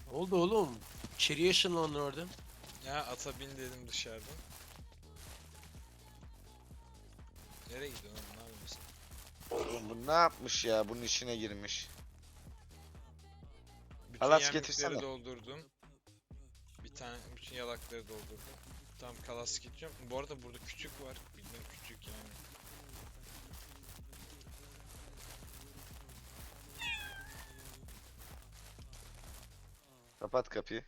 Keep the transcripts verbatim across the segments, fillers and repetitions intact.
Oldu oğlum. İçeriye ışınlandın orada. Ya ata bin dedim dışarıdan. Nereye gidiyorsun oğlum? Ne yapıyorsun? Oğlum bu ne yapmış ya? Bunun içine girmiş. Bütün Halas yemlikleri getirsene. doldurdum. Bir tane bütün yalakları doldurdum. Tamam kalas gideceğim. Bu arada burada küçük var. Bildiğin küçük yani. Kapat kapıyı.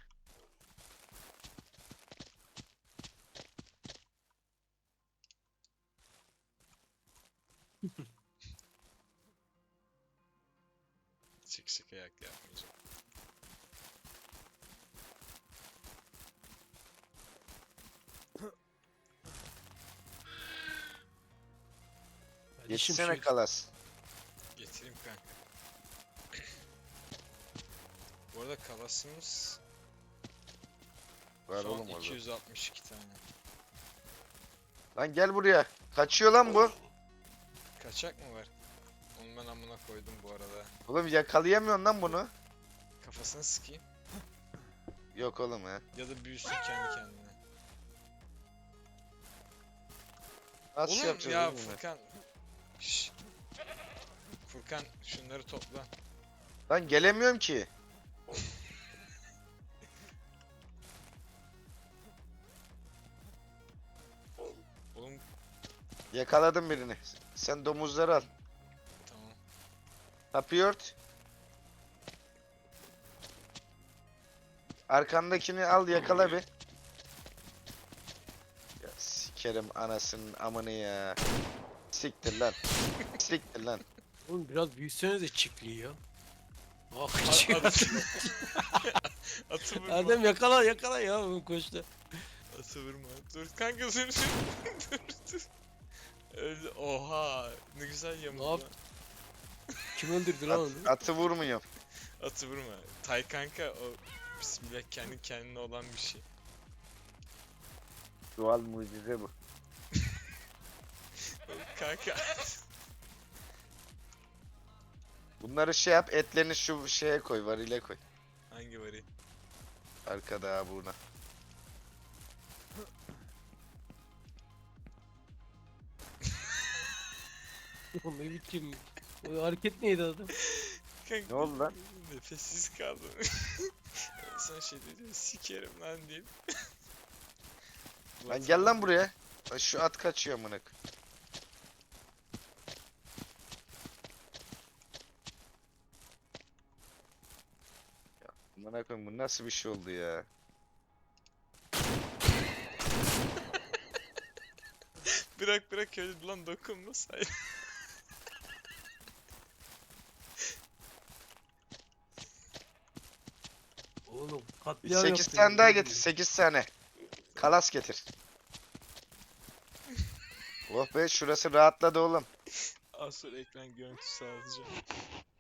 Sık sık ayak yapmayacağım. Kardeşim Yetişsene şu kalas. Getireyim kanka. Bu arada kalasımız Var son oğlum orada. iki yüz altmış iki tane. Lan gel buraya. Kaçıyor lan bu. Kaçak mı var? Onu ben amına koydum bu arada. Oğlum yakalayamıyorsun lan bunu. Kafasını sıkayım. Yok oğlum ya. Ya da büyüsün kendi kendine. Nasıl Oğlum yapacağız ya oğlum bunu? Furkan. Şşş. Furkan şunları topla. Lan gelemiyorum ki. Oğlum Yakaladım birini. Sen domuzları al. tamam. Kapıyı ört. Arkandakini al yakala bir. Ya sikerim anasının amını ya. Siktir lan. Siktir lan. oğlum biraz büyüsenize çiftliği ya. Ah A- kaçıyor. Atı, atı vurma. Adem yakala yakala ya oğlum koştu. Atı vurma. Dur kanka dur dur. dur dur. Öldü. Oha. Ne güzel yamuldu. Ne yap- Kim öldürdü lan At, onu? atı vurmuyorum. Atı vurma. Tay kanka o bismillah kendi kendine olan bir şey. Doğal mucize bu. Kanka. Bunları şey yap, etlerini şu şeye koy, varile koy. Hangi varı? Arkada ha buna. Oğlum ne biçim? O hareket neydi adam? Kanka. Ne oldu lan? Nefessiz kaldım. Son şey dedi sikerim lan deyip. Lan gel lan buraya. Lan şu at kaçıyor amına koyayım. Ya amına koyayım bu nasıl bir şey oldu ya? Bırak bırak öyle lan dokunma say. Oğlum Bir katliam sekiz yaptın tane ya, daha ne getir, bileyim. sekiz tane. Kalas getir. Oh be şurası rahatladı oğlum. Az sonra ekran görüntüsü alacağım.